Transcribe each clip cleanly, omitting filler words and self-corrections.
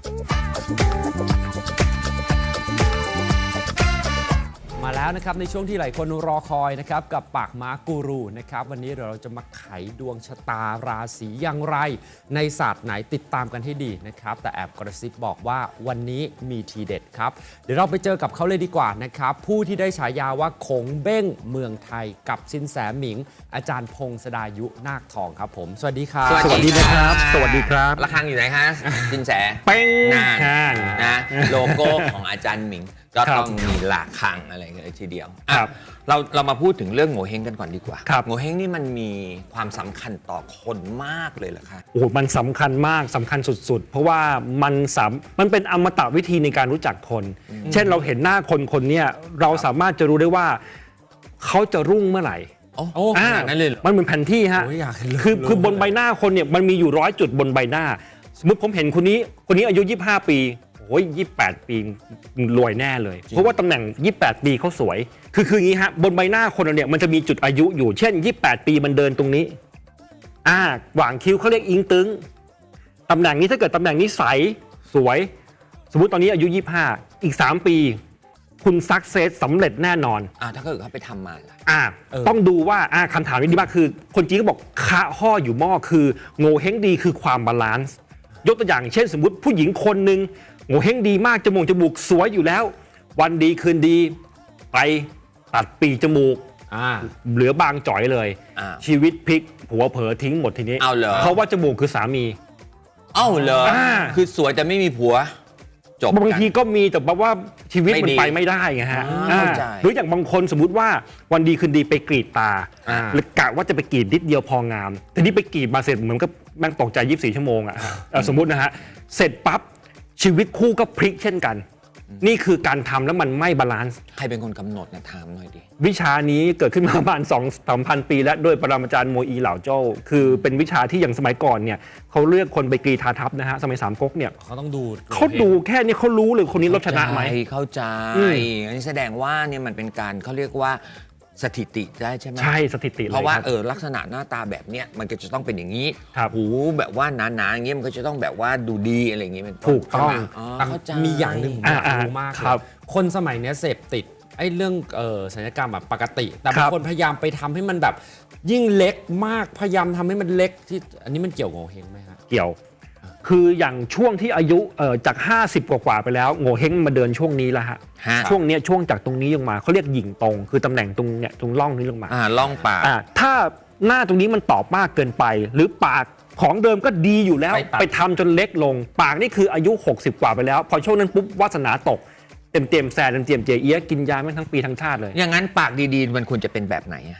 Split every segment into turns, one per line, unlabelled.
มาแล้วนะครับในช่วงที่หลายคนรอคอยนะครับกับปากม้ากูรูนะครับวันนี้เราจะมาไขดวงชะตาราศีอย่างไรในศาสตร์ไหนติดตามกันให้ดีนะครับแต่แอบกระซิบบอกว่าวันนี้มีทีเด็ดครับเดี๋ยวเราไปเจอกับเขาเลยดีกว่านะครับผู้ที่ได้ฉายาว่าคงเบ้งเมืองไทยกับสินแสหมิงอาจารย์พงศดายุนาคทองครับผมสวัสดีครับ
สวัสดีนะครับ
สวัสดีครับ
ระฆังอยู่ไหนคะสินแส
เป้ง
นาน
ห่าง
นะโลโก้ของอาจารย์หมิงก็
ครับ
ต้องมีระฆังอะไรเลยทีเดียวอ่ะ
ครับ
เรามาพูดถึงเรื่องโง่เฮงกันก่อนดีกว่า
ครับ
โง่เฮงนี่มันมีความสำคัญต่อคนมากเลยเหรอคะ
โอ้โหมันสำคัญมากสำคัญสุดๆ เพราะว่ามันเป็นอมตะวิธีในการรู้จักคน เช่นเราเห็นหน้าคนคนเนี้ยเราสามารถจะรู้ได้ว่าเขาจะรุ่งเมื่อไหร่
โอ้
โอ้
ขนาดนั้นเลยเหรอ
มันเหมือนแผนที่ฮะ
โอ้ยอยากเห็นเลย
คือบนใบหน้าคนเนี่ยมันมีอยู่100 จุดบนใบหน้า สมมติผมเห็นคนนี้อายุ25 ปีโอ้ย28 ปีรวยแน่เลย เพราะว่าตำแหน่ง28 ปีเขาสวยคืออย่างนี้ฮะบนใบหน้าคนเราเนี่ยมันจะมีจุดอายุอยู่เช่น28 ปีมันเดินตรงนี้หว่างคิ้วเขาเรียกอิงตึงตำแหน่งนี้ถ้าเกิดตำแหน่งนี้ใสสวย สมมุติตอนนี้อายุ25อีก3 ปีคุณซักเซสสำเร็จแน่นอน
ถ้าเกิดเขาไปทำมาล่ะ
ต้องดูว่าคำถามนี้ดีมากคือคนจีนก็บอกคะห่ออยู่หม้อคือโง่เฮงดีคือความบาลานซ์ยกตัวอย่างเช่นสมมุติผู้หญิงคนหนึ่งโง่เฮงดีมากจมูกสวยอยู่แล้ว วันดีคืนดีไปตัดปีกจมูกเหลือบางจ่อยเลย ชีวิตพลิกผัวเผลอทิ้งหมดทีนี้
เอาเหรอ
เพราะว่าจมูกคือสามี
เอ้าเหรอคือสวยแต่ไม่มีผัวจบบ
างทีก็มีแต่แบบว่าชีวิตมัน
ไม่ดี
ไปไม่ได้ไงฮะ
เข้าใจ
หรืออย่างบางคนสมมุติว่าวันดีคืนดีไปกรีดตาหรือกะว่าจะไปกรีดนิดเดียวพองามแต่นี่ไปกรีดมาเสร็จเหมือนกับแม่งตกใจ24 ชั่วโมงอะสมมุตินะฮะเสร็จปั๊บชีวิตคู่ก็พลิกเช่นกัน นี่คือการทำแล้วมันไม่บาลานซ์
ใครเป็นคนกำหนดนะถามหน่อยดิ
วิชานี้เกิดขึ้นมาประมาณ 2-3,000 ปีแล้วโดยปรมาจารย์โมอีเหล่าโจ้คือเป็นวิชาที่อย่างสมัยก่อนเนี่ยเขาเลือกคนไปกรีธาทัพนะฮะสมัยสามก๊กเนี่ย
เขาต้องดู
เขาดูแค่นี้เขารู้เลยคนนี้ลบชนะไหม
เข้าใจอันนี้แสดงว่าเนี่ยมันเป็นการเขาเรียกว่าสถิติได้ใช่ไหม
ใช่สถิติเลย
เพราะว่า
คบ
ลักษณะหน้าตาแบบเนี้ยมันก็จะต้องเป็นอย่างนี้
ครับ
หูแบบว่าหนาๆอย่างเงี้ยมันก็จะต้องแบบว่าดูดีอะไรอย่างเงี้ยเป็นน
ถูกต้อง
ใช่ไหมเข้าใจ
มีอย่างหนึ่งผมอยากรู้มาก
ครับ
คนสมัยนี้เสพติดไอ้เรื่องศัลยกรรมแบบปกติ แต่
ครับ
างคนพยายามไปทำให้มันแบบยิ่งเล็กมากพยายามทำให้มันเล็กที่อันนี้มันเกี่ยวกับโงเฮงไหมฮะ
เกี่ยว คืออย่างช่วงที่อายุจาก 50 กว่าไปแล้วโง่เฮงมาเดินช่วงนี้แล้วฮะ
ฮะ
ช่วงเนี้ยช่วงจากตรงนี้ลงมาเขาเรียกหยิ่งตรง คือตำแหน่งตรงเนี้ยตรงร่องนี้ลงมา
ล่องปาก
ถ้าหน้าตรงนี้มันตอบมากเกินไป หรือปากของเดิมก็ดีอยู่แล้ว
ไปตัด
ไปทำจนเล็กลง ปากนี่คืออายุ 60 กว่าไปแล้ว พอช่วงนั้นปุ๊บวาสนาตกเต็มแซนเต็มเจเอียกินยาแม่งทั้งปีทั้งชาติเลย
อย่างนั้นปากดีๆมันควรจะเป็นแบบไหนอะ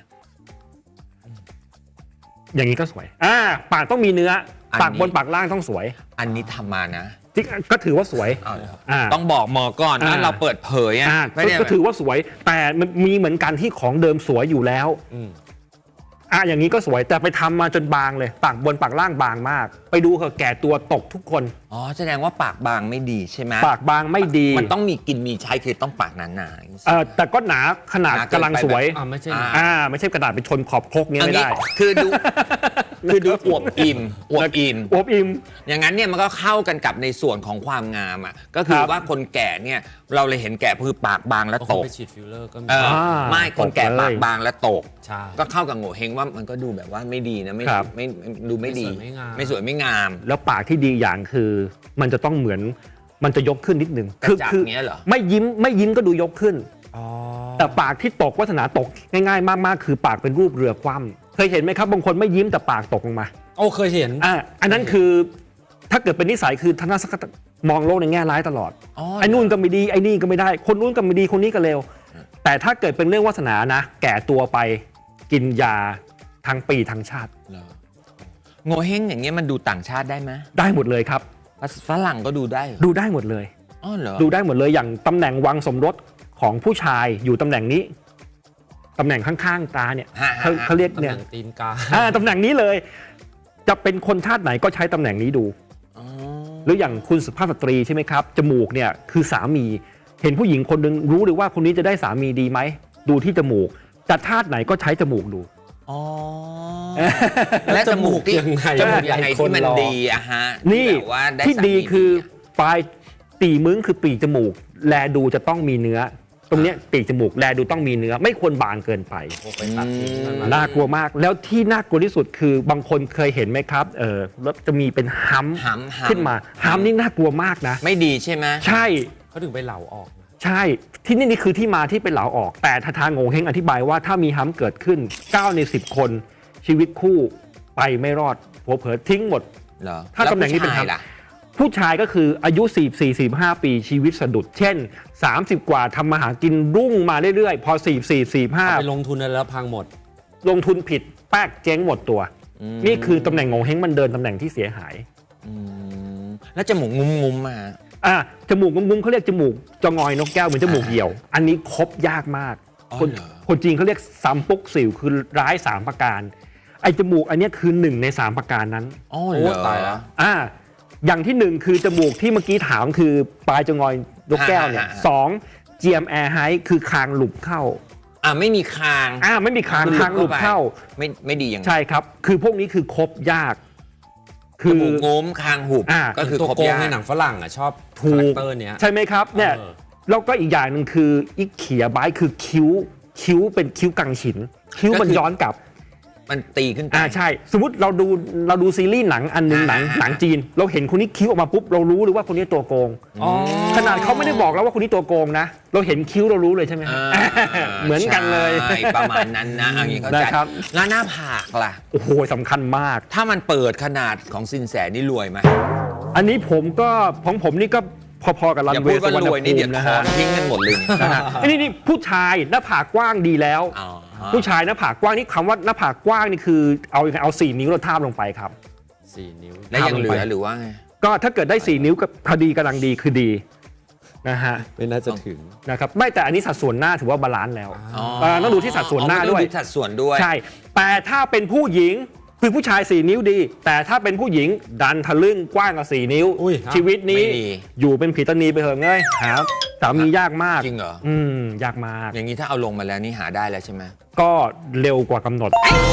อย่างนี้ก็สวยปากต้องมีเนื้ออน
นี้
ปากบนปากล่างต้องสวย
อันนี้ทำมานะ
ที่ก็ถือว่าสวย
ต้องบอกหมอก่อนนะเราเปิดเผยอะไม่ได้
ก็ถือว่าสวย แต่มันมีเหมือนกันที่ของเดิมสวยอยู่แล้วอย่างนี้ก็สวยแต่ไปทำมาจนบางเลยปากบนปากล่างบางมาก ไปดูเถอะแก่ตัวตกทุกคน
แสดงว่าปากบางไม่ดีใช่ไหม
ปากบางไม่ดี
มันต้องมีกินมีใช้คือต้องปากหนา
แต่ก็หนาขนาดกำลังสวย
ไม่ใช่
ไม่ใช่กระดาษไปชนขอบครก
ๆ
เงี้ยไม่ได้
คือดูอวบอิ่มอวบอิ่ม
อวบอิ่ม
อย่างนั้นเนี่ยมันก็เข้ากันกับในส่วนของความงามอ่ะก็คือ
ครับ
ว่าคนแก่เนี่ยเราเลยเห็นแก่คือปากบางและ
เขา
ตก
ไปฉีดฟิลเลอร์ก็มี
ไม่คนแก่
ตกเลย
ปากบางและตก
ใช่
ก็เข้ากับโง่เฮงว่ามันก็ดูแบบว่าไม่ดีนะไม่
ครับ
ดูไม่ดี ไม่สวยไม่งาม
แล้วปากที่ดีอย่างคือมันจะต้องเหมือนมันจะยกขึ้นนิดนึง
กระจับเงี้ยเหรอ
ไม่ยิ้มก็ดูยกขึ้น แต่ปากที่ตกวาสนาตกง่ายๆมากๆ คือปากเป็นรูปเรือคว่ำเคยเห็นไหมครับบางคนไม่ยิ้มแต่ปากตกลงมา
โอ้เคยเห็น
อันนั้นคือถ้าเกิดเป็นนิสัยคือทัศนคติมองโลกในแง่ร้ายตลอด ไอ้นู่นก็ไม่ดีไอ้นี่ก็ไม่ได้คนนู้นก็ไม่ดีคนนี้ก็เลวแต่ถ้าเกิดเป็นเรื่องวาสนานะแก่ตัวไปกินยาทั้งปีทั้งชาติ
โง่เฮงอย่างเงี้ยมันดูต่างชาติได้ไหม
ได้หมดเลยครับ
ฝรั่งก็ดูได้เหรอ
ดูได้หมดเลย
เหรอ
ดูได้หมดเลยอย่างตำแหน่งวังสมรสของผู้ชายอยู่ตำแหน่งนี้ตำแหน่งข้างๆตาเนี่ยเขาเรียก
ตำแห
เนี่ย
น่งตีนกา
ตำแหน่งนี้เลย จะเป็นคนชาติไหนก็ใช้ตำแหน่งนี้ดู หรืออย่างคุณสุภาพสตรีใช่ไหมครับจมูกเนี่ยคือสามีเห็นผู้หญิงคนหนึ่งรู้เลยว่าคนนี้จะได้สามีดีไหมดูที่จมูกแต่ชาติไหนก็ใช้จมูกดู
และจมูกที่
ยังไง
จมูกยังไงที่มันดีอะฮะ
นี่
แบบว่าได้
ที่
สามี
ดีคือปลายตีมึ้งคือปีกจมูกแลดูจะต้องมีเนื้อ ตรงเนี้ยปีกจมูกแลดูต้องมีเนื้อไม่ควรบางเกินไป
ไปตัดทิ้งมันมา
น่ากลัวมากแล้วที่น่ากลัวที่สุดคือบางคนเคยเห็นไหมครับแล้วจะมีเป็นฮัม
หำ
ขึ้นมาฮัมนี่น่ากลัวมากนะ
ไม่ดีใช่ไหม
ใช่
เขาถึงไปเหลาออกนะ
ใช่ที่นี่คือที่มาที่เป็นเหลาออก แต่ทางโงเฮงอธิบายว่าถ้ามีฮัมเกิดขึ้น9 ใน 10 คนชีวิตคู่ไปไม่รอดผัวเผลอทิ้งหมด
เหรอ
ถ้าตำแหน่งนี้เป็น
ล้ว
ฮัม
ผู้ชายล่ะ
ผู้ชายก็คืออายุ 44-45 ปีชีวิตสะดุด เช่น 30 กว่าทำมาหากินรุ่งมาเรื่อยๆ พอ
เอาไปลงทุนแล้วพังหมด
44-45 ลงทุนผิดแป๊กเจ๊งหมดตัว นี่คือตำแหน่งโงเฮงมันเดินตำแหน่งที่เสียหาย
แล้วจมูกงุ้มๆมา
จมูกงุ้มๆเขาเรียกจมูกจะงอยนกแก้วเหมือนจมูกเหี่ยว อันนี้ครบยากมาก
อ๋อ
คน
เหรอ
คนจีนเขาเรียกซัมปุกสิวคือร้าย3ประการไอ้จมูกอันเนี้ยคือ1 ใน 3ประการนั้น
อ๋อ
โอ้
เหรอ
ตายแล้ว
อย่างที่ 1 คือจมูกที่เมื่อกี้ถามคือปลายจะงอยนกแก้วเนี่ย2 GM Air High คือคางหลุบเข้า
ไม่มีคาง
ไม่มีคางหลุบเข้า
ไม่ดีอย่างนั้น
ใช่ครับ คือพวกนี้คือครบยาก
จมูกงุ้มคางหุบ
ก็
ก็คือ
ตัว
ครบ
โกง
ยาก
ในหนังฝรั่งอ่ะชอบ
ถู
คาแร
ก
คเตอร์เนี้ย
ใช่ไหมครับเนี่ย
เออ
แล้วก็อีกอย่างหนึ่งคืออีกเขียบายคือคิ้วเป็นคิ้วกังฉิน คิ้วมันย้อนกลับ
มันตีขึ้นไป
ใช่ สมมติเราดูซีรีส์หนังอันหนึงหนังจีน เราเห็นคนนี้คิ้วออกมาปุ๊บเรารู้เลยว่าคนนี้ตัวโกง
อ๋อ
ขนาดเขาไม่ได้บอกแล้วว่าคนนี้ตัวโกงนะ เราเห็นคิ้วเรารู้เลยใช่ไหมครับ เหมือนกันเลย
ใช่ประมาณนั้นนะอย่างนี้เข้าใจ
นะครับ
แล้วหน้าผากล่ะ
โอ้โหสำคัญมาก
ถ้ามันเปิดขนาดของสินแสนี่รวยไหม
อันนี้ของผมนี่ก็พอๆกับรัน
อย่า
เว
พูด
ย์สุ
ว่าว
รรณ
รวย
ภู
นี่เดี๋ยว
มินะ
ถอ
ฮะ
นทิ้งกันหมดเลยเนี่ย
นะฮะนี่ผู้ชายหน้าผากกว้างดีแล้ว
อ๋อ
ผู้ชายหน้าผากกว้างนี่คำว่าหน้าผากกว้างนี่คือเอา4 นิ้วเราทาบลงไปครับ
4 นิ้ว
แล้วยังเหลือหรือว่าไง
ก็ถ้าเกิดได้ 4 นิ้วก็พอดีกำลังดีคือดีนะฮะ
ไม่น่าจะถึง
นะครับไม่แต่อันนี้สัดส่วนหน้าถือว่าบาลานซ์แล้ว ต้องดูที่สัดส่วนหน้า
อ๋อ
ด้วย
ต้องสัดส่วนด้วย
ใช่ แต่ถ้าเป็นผู้หญิงคือผู้ชาย 4 นิ้วดี แต่ถ้าเป็นผู้หญิงดันทะลึ่งกว้างกว่า4 นิ้ว
อุ้ย
ชีวิตนี้
ไม่ดี
อยู่เป็นผีตานีไปเถอะเงยหาสามียากมาก
จริงเหรอ
ยากมาก
อย่างนี้ถ้าเอาลงมาแล้วนี่หาได้แล้วใช่ไหม
ก็เร็วกว่ากำหนด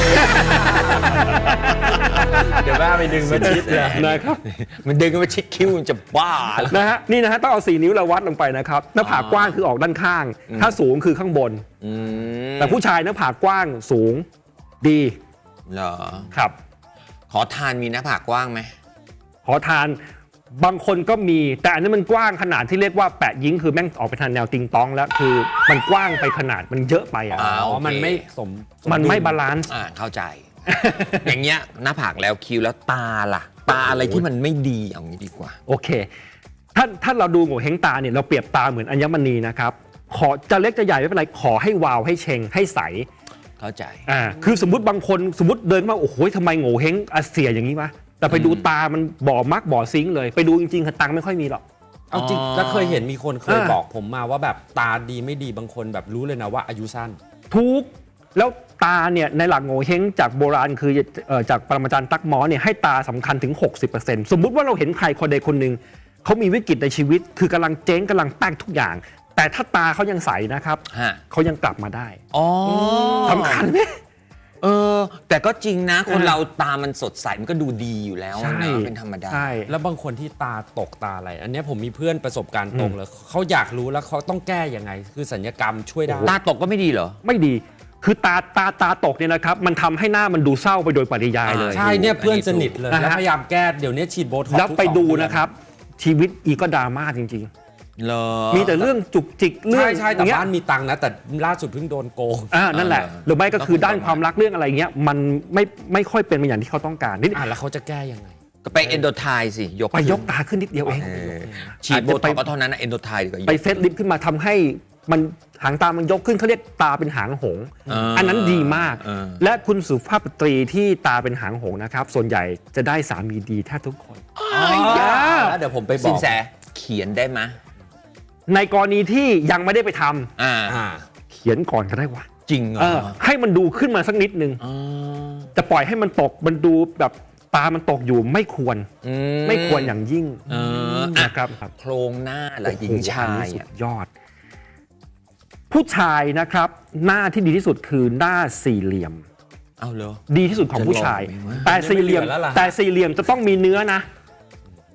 เดี๋ยวแม่ไปดึงมาชิดเลย
นะครับ
มันดึงกันมาชิดคิ้วมันจะบ้าแล้ว
นะฮะนี่นะฮะต้องเอา4 นิ้วเราวัดลงไปนะครับหน้าผากกว้างคือออกด้านข้าง ถ้าสูงคือข้างบน แต่ผู้ชายหน้าผากกว้างสูงดี
เหรอ
ครับ
ขอทานมีหน้าผากกว้างไหม
ขอทานบางคนก็มีแต่อันนี้มันกว้างขนาดที่เรียกว่าแปะยิงคือแม่งออกไปทางแนวติงตองแล้วคือมันกว้างไปขนาดมันเยอะไปอ่ะ
อ๋อ
อ๋อ มันไม่สม
มันไม่บาลานซ์
เข้าใจ อย่างเงี้ยหน้าผากแล้วคิ้วแล้วตาล่ะ ตาอะไรที่มันไม่ดีเอางี้ดีกว่า
โอเคถ้าเราดูโง่เฮงตาเนี่ยเราเปรียบตาเหมือนอัญมณีนะครับขอจะเล็กจะใหญ่ไม่เป็นไรขอให้วาวให้เชงให้ใส
เข้าใจ
คือสมมติบางคนสมมติเดินมาโอ้โหทำไมโง่เฮงอาเสียอย่างนี้วะแต่ไปดูตามันบ่อมักบ่อซิงค์เลยไปดูจริงๆตังค์ไม่ค่อยมีหรอก
เอาจริง
อ๋อ
แล้วเคยเห็นมีคนเคยบอกผมมาว่าแบบตาดีไม่ดีบางคนแบบรู้เลยนะว่าอายุสั้น
ทุกแล้วตาเนี่ยในหลักโง่เฮงจากโบราณคือจากปรมาจารย์ตั๊กหมอเนี่ยให้ตาสำคัญถึง 60%สมมุติว่าเราเห็นใครคนใดคนหนึ่งเขามีวิกฤตในชีวิต คือกำลังเจ๊งกำลังแป้งทุกอย่าง แต่ถ้าตาเขายังใสนะครับ
ฮะ
เขายังกลับมาได้
อ๋อ
สำคัญไหม
แต่ก็จริงนะ คนเราตามันสดใสมันก็ดูดีอยู่แล้ว
ใช่
นะเป็นธรรมดา
ใช่
แล้วบางคนที่ตาตกตาอะไร อันเนี้ยผมมีเพื่อนประสบการณ์ตรงเลยเขาอยากรู้แล้วเขาต้องแก้ยังไง คือสัญญกรรมช่วยได้
ตาตกก็ไม่ดีเหรอ
ไม่ดีคือตาตกเนี่ยนะครับมันทำให้หน้ามันดูเศร้าไปโดยปริยายเลย
ใช่เนี่ยเพื่อนสนิทเลย
นะฮะ
แล้วพยายามแก้เดี๋ยวนี้ฉีดโบท็อกซ์
แล้ว
ทุก
ไป
2
ดู
เอน
นะครับ ชีวิตอีก็ดราม่าจริง
เหรอ
ๆ มีแต่เรื่องจุกจิกเรื่อง
ใช่แต่
อย่งเงี้ย
บ้านมีตังค์นะ แต่ล่าสุดเพิ่งโดนโกง
นั่นแหละ หรือไม่ก็คือด้านความรักเรื่องอะไรเงี้ยมันไม่ค่อยเป็นไปอย่างที่เขาต้องการนิด
แล้วเขาจะแก้ยังไง
ก็ไปเอนโดไทสิยก
ไปยกตาขึ้นนิดเดียวเอง
ฉีดโบท็อกซ์ก็เท่านั้นนะเอนโดไทดีกว่า
ไปเซตลิฟต์ขึ้นมาทำให้มันหางตามันยกขึ้นเขาเรียกตาเป็นหางหงส์อันนั้นดีมาก และคุณสุภาพสตรีที่ตาเป็นหางหงส์นะครับส่วนใหญ่จะได้สามีดีแทบทุกคน
แล้วเดี๋ยวผมไปบ
สิ
อน ก
แสเขียนได้ไหม
ในกรณีที่ยังไม่ได้ไปทำ
อ่า
เขียนก่อนก็ได้วะ
จริงเหรอ
ให้มันดูขึ้นมาสักนิดนึง จะปล่อยให้มันตกมันดูแบบตามันตกอยู่ไม่ควรไม่ควรอย่างยิ่งนะครับ
โครงหน้าล่ะหญิงชาย
สุดยอด ผู้ชายนะครับ หน้าที่ดีที่สุดคือหน้าสี่เหลี่ยม
เอาเหรอ
ดีที่สุดของผู้ชาย
จะลองไหมวะ
แต่สี่เหลี่ยม
ไม่เหลือแล้วล่ะ
แต่สี่เหลี่ยมจะต้องมีเนื้อนะ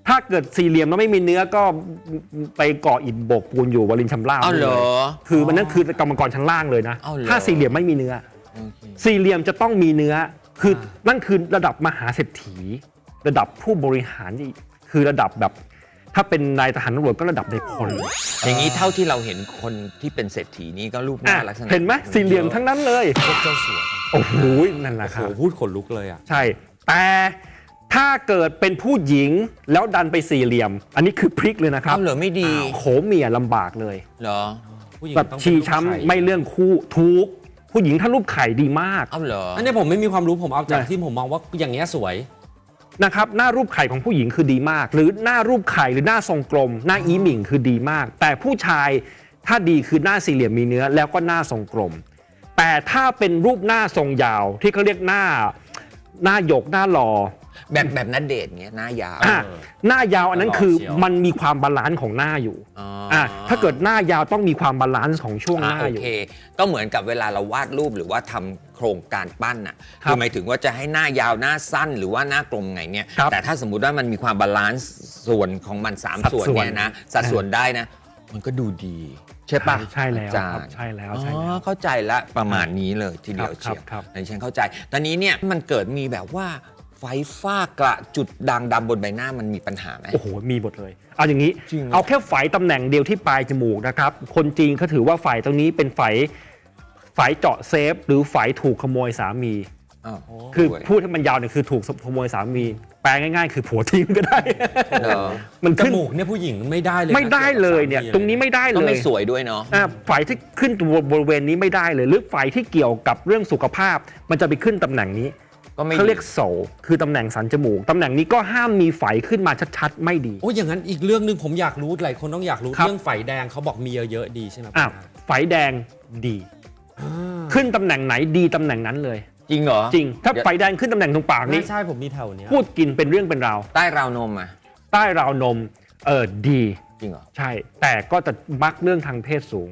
ถ้าเกิดสี่เหลี่ยมแล้วไม่มีเนื้อก็ไปก่ออิฐโบกปูนอยู่วลินชำราบ
เอาเหรอ
คือมันนั่นคือกรรมกรชั้นล่างเลยนะ
เอาเหรอ
ถ้าสี่เหลี่ยมไม่มีเนื้อ
โอเค
สี่เหลี่ยมจะต้องมีเนื้อคือนั่นคือระดับมหาเศรษฐี ระดับผู้บริหารที่คือระดับแบบ ถ้าเป็นนายทหารตำรวจก็ระดับในพล
อย่างนี้เท่าที่เราเห็นคนที่เป็นเศรษฐีนี่ก็รูปหน้าลักษณะ
เห็นไหมสี่เหลี่ยมทั้งนั้นเลย
พวกเจ้าสัว
โอ้โหนั่นแหละ
โอ้
ค
โห
รับ
พูดขนลุกเลยอ่ะ
ใช่ แต่ถ้าเกิดเป็นผู้หญิงแล้วดันไปสี่เหลี่ยม อันนี้คือพลิกเลยนะครับ
เอาเหรอไม่ดี
โขเมียลำบากเลย
เหรอ
ผู้หญิง
แบบ
ต้องเป็น
ชี
ลูก
ช้ำ
ไข่
ไม่เรื่องคู่ทุกผู้หญิงถ้ารูปไข่ดีมาก
เอาเหรอ
อันนี้ผมไม่มีความรู้ผมเอาจาก
นะ
ที่ผมมองว่าอย่างเงี้ยสวย
นะครับหน้ารูปไข่ของผู้หญิงคือดีมาก หรือหน้ารูปไข่หรือหน้าทรงกลม หน้าอีหมิ่งคือดีมาก แต่ผู้ชายถ้าดีคือหน้าสี่เหลี่ยมมีเนื้อแล้วก็หน้าทรงกลม แต่ถ้าเป็นรูปหน้าทรงยาวที่เขาเรียกหน้าหยกหน้าหล่อ
แบบนัดเดทเงี้ยหน้ายาว
อ่ะหน้ายาวอันนั้นคือ
หล่อเชียว
มันมีความบาลานซ์ของหน้าอยู่
อ๋อ
ถ้าเกิดหน้ายาวต้องมีความบาลานซ์ของช่วงหน้า
โอ
อยู่
เค ก็เหมือนกับเวลาเราวาดรูปหรือว่าทำโครงการปั้นน่ะ
ครับ
หมายถึงว่าจะให้หน้ายาวหน้าสั้นหรือว่าหน้ากลมไงเนี่ย
ครับ
แต่ถ้าสมมุติว่ามันมีความบาลานซ์ส่วนของมัน
สัด
3 ส่วน
ส่วน
เนี่ยนะสัดส่วนได้นะ มันก็ดูดี ใช่ปะ
ใช่แล้ว
อาจา
ครับ
รย์
ใช่แล้ว
อ๋
ใช่แล้ว
อเข้าใจละประมาณนี้เลยทีเดียว
ครับ
เชียว
ครับ
อันนี้ฉันเข้าใจ ตอนนี้เนี่ยมันเกิดมีแบบว่าไฟฟ้ากระจุดด่างดำบนใบหน้ามันมีปัญหาไหม
โอ้โห มีหมดเลย เอาอย่างนี้
จริงเหรอ
เอาแค่ไฝตำแหน่งเดียวที่ปลายจมูกนะครับ คนจีนเขาถือว่าไฝตรงนี้เป็นไฝเจาะเซฟ หรือไฝถูกขโมยสามี
อ้าว
คือ
สวย
พูดให้มันยาวเนี่ยคือถูกขโมยสามี แปลง่ายๆ คือผัวทิ้งก็ได้
เหรอ
มัน
จ
ขึ้น
มูกเนี่ยผู้หญิงไม่ได้เลยนะ
ไม่ได้เลยเนี่ย ตรงนี้ไม่ได้
ก็
เล
ไม่
ย
สวยด้วยเนาะ
ไฝที่ขึ้นตัวบริเวณนี้ไม่ได้เลย หรือไฝที่เกี่ยวกับเรื่องสุขภาพ มันจะไปขึ้นตำแหน่งนี้
ก็ไม่
เขาเรียกโสคือตำแหน่งสันจมูกตำแหน่งนี้ก็ห้ามมีไฝขึ้นมาชัดๆไม่ดี
โอ้ยอย่างนั้นอีกเรื่องหนึ่งผมอยากรู้หลายคนต้องอยากรู้
ครับ
เรื่องไฝแดงเขาบอกมีเยอะๆดีใช่ไหม
อ้าวไฝแดงดี ขึ้นตำแหน่งไหนดีตำแหน่งนั้นเลย
จริงเหรอ
จริง ถ้าไฟแดงขึ้นตำแหน่งตรงปากนี้
ใช่ผมมีแถวเนี้ย
พูดกินเป็นเรื่องเป็นราว
ใต้ราวนมอ่ะ
ใต้ราวนมดี
จริงเหรอ
ใช่ แต่ก็จะมักเรื่องทางเพศสูง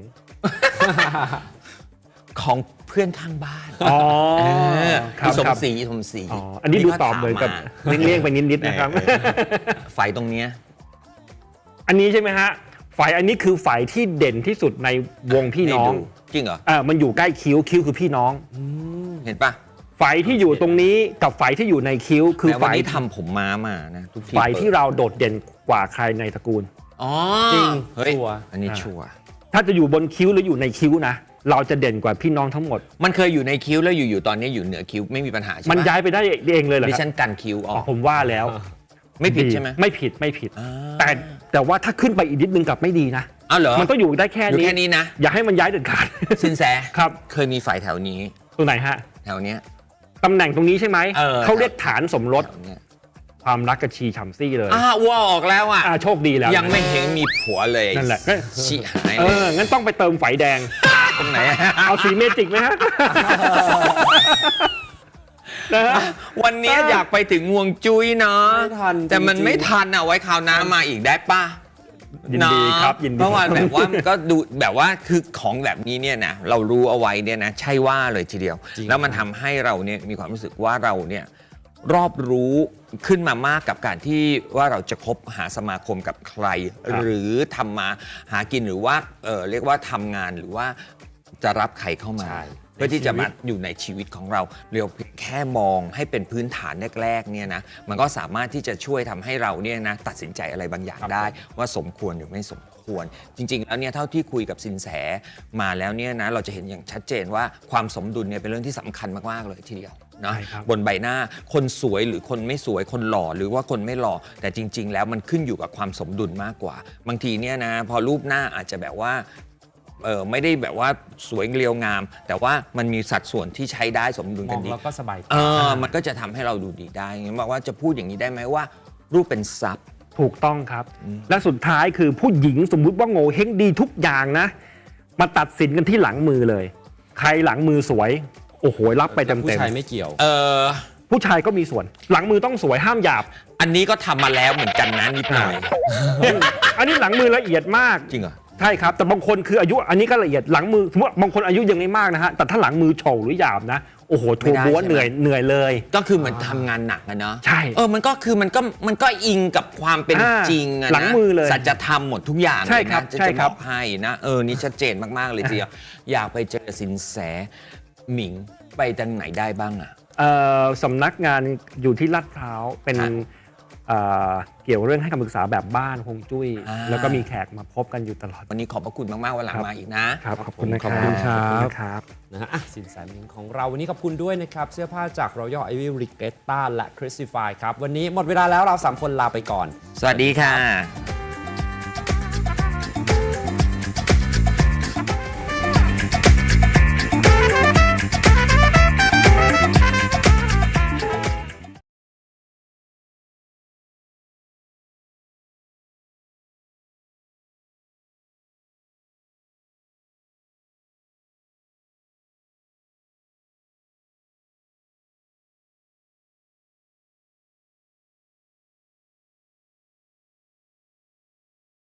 ของเพื่อนข้างบ้าน
อ๋อ
พี่สมศรีสมศรี
อ๋ออันนี้ดูตอบเหมือนกับเลี่ยงๆไปนิดๆนะครับ
ไฟตรงเนี้ย
อันนี้ใช่ไหมฮะไฝอันนี้คือไฝที่เด่นที่สุดในวงพี่น้อง
ให้ดูจริงเหรอ
มันอยู่ใกล้คิ้วคิ้วคือพี่น้อง
เห็นปะ
ไฝที่อยู่ตรงนี้กับไฝที่อยู่ในคิ้วคือ
แต่
ไฝ
วันนี้ทำผมม้ามานะทุกที
ไฝที่เราโดดเด่นกว่าใครในตระกูล
อ๋อ
จริง
เฮ้ย
ชัวร์
อันนี้ชัวร์
ถ้าจะอยู่บนคิ้วหรืออยู่ในคิ้วนะ เราจะเด่นกว่าพี่น้องทั้งหมด
มันเคยอยู่ในคิ้วแล้วอยู่ๆตอนนี้อยู่เหนือคิ้วไม่มีปัญหาใช่ไหม
มันย้ายไปได้เองเลยเหรอ
ดิ
ครั
ฉันกันคิ้วออก
ผมว่าแล้ว
ไม่ผิดใช่ไหม
ไม่ผิดไม่ผิด
อ่า
แต่ว่าถ้าขึ้นไปอีกนิดนึงกลับไม่ดีนะ
อ้าวเหรอ
มันต้องอยู่ได้แค่
อยู่
นี้
แค่นี้นะ
อย่าให้มันย้ายเด็ดขาด
สินแส
ครับ
เคยมีไฟแถวนี้
ตรงไหนฮะ
แถวเนี้ย
ตำแหน่งตรงนี้ใช่ไหม
เขา
เรียกฐานสมรส
แถวเนี้ย
ความรักกระชีฉ่ำซี่เลย
อ้วออกแล้วอ่ะ
โชคดีแล้ว
ยังไม่เห็นมีผัวเลย
นั่นแหละ
ชิหายเลย
งั้นต้องไปเติมไฝแดง
ตรงไหนอะ
เอาสีเมจิกไหมฮะ นะฮะ
วันนี้อยากไปถึงงวงจุ้ยเนาะ
ไม่ทัน
แต่มัน
จริงๆ
ไม่ทันอ่ะไว้คราวหน้ามาอีกได้ป่ะ
ยินดีครับยินดี
เพราะว่าแบบว่ามันก็ดูแบบว่าคือของแบบนี้เนี่ยนะเรารู้เอาไว้เนี่ยนะใช่ว่าเลยทีเดียว
จริง
แล้วมันทำให้เราเนี่ยมีความรู้สึกว่าเราเนี่ยรอบรู้ขึ้นมามากกับการที่ว่าเราจะคบหาสมาคมกับใคร
ครับ
หรือทำมาหากินหรือว่าเรียกว่าทำงานหรือว่าจะรับใครเข้ามา
ใช่
เพื่อที่จะมาอยู่ในชีวิตของเราเรียวแค่มองให้เป็นพื้นฐานแรกๆเนี่ยนะมันก็สามารถที่จะช่วยทำให้เราเนี่ยนะตัดสินใจอะไรบางอย่างได้ ว่าสมควรหรือไม่สมควร จริง ๆ แล้วเนี่ยเท่าที่คุยกับสินแสมาแล้วเนี่ยนะเราจะเห็นอย่างชัดเจนว่าความสมดุลเนี่ยเป็นเรื่องที่สำคัญมากๆเลยทีเดียวนะ
ใช่ครับ
บนใบหน้าคนสวยหรือคนไม่สวยคนหล่อหรือว่าคนไม่หล่อแต่จริง ๆ แล้วมันขึ้นอยู่กับความสมดุลมากกว่า บางทีเนี่ยนะพอรูปหน้าอาจจะแบบว่าไม่ได้แบบว่าสวยเรียวงาม แต่ว่ามันมีสัดส่วนที่ใช้ได้สมดุล
ม
กั
อน ง
ดี
แล้วก็สบายใจ
มันก็จะทำให้เราดูดีได้งั้นบอกว่าจะพูดอย่างนี้ได้ไหมว่า รูปเป็นทรัพย์
ถูกต้องครับ และสุดท้ายคือผู้หญิงสมมุติว่าโง่เฮงดีทุกอย่างนะ มาตัดสินกันที่หลังมือเลย ใครหลังมือสวย โอ้โห รับไปเต็ม
ผู้
เต็ม
ชายไม่เกี่ยว
ผู้ชายก็มีส่วน หลังมือต้องสวยห้ามหยาบ
อันนี้ก็ทำมาแล้วเหมือนกันนะนิดหน่อย
อันนี้หลังมือละเอียดมาก
จริงเหรอ
ใช่ครับแต่บางคนคืออายุอันนี้ก็ละเอียดหลังมือสมมติบางคนอายุยังไม่มากนะฮะแต่ถ้าหลังมือโฉวหรือหยาบนะโอ้โหทัวร์บัวเหนื่อยเลย
ก็คือเหมือนทำงานหนักอะเนาะ
ใช่
มันก็คือมันก็อิงกับความเป็นจริงอะนะ
หลังมือเลย
สัจธรรมหมดทุกอย่าง
ใช่
เลย
ครั
นะ
บ
จะ
ใช่
จะ
ครับ
อบ กให้นะนี่ชัดเจนมากๆเลยทีเดียวอยากไปเจอสินแสหมิงไปทางไหนได้บ้างอะ
สำนักงานอยู่ที่ลาดพร้าวเป็น
ครับ
เกี่ยวเรื่องให้คำปรึกษาแบบบ้านฮวงจุ้ย แล้วก็มีแขกมาพบกันอยู่ตลอด
วันนี้ขอบพระคุณมากๆวันหลังมาอีกนะ
ครับขอบคุณนะค
ข
รั
อ
บบ
คุณครับ
ขอณครับ
นะฮะสินแสหมิงของเราวันนี้ขอบคุณด้วยนะครับ เสื้อผ้าจาก Royal Ivy Regatta และ Christify ครับ วันนี้หมดเวลาแล้วเรา 3 คนลาไปก่อน
สวัสดีค่ะ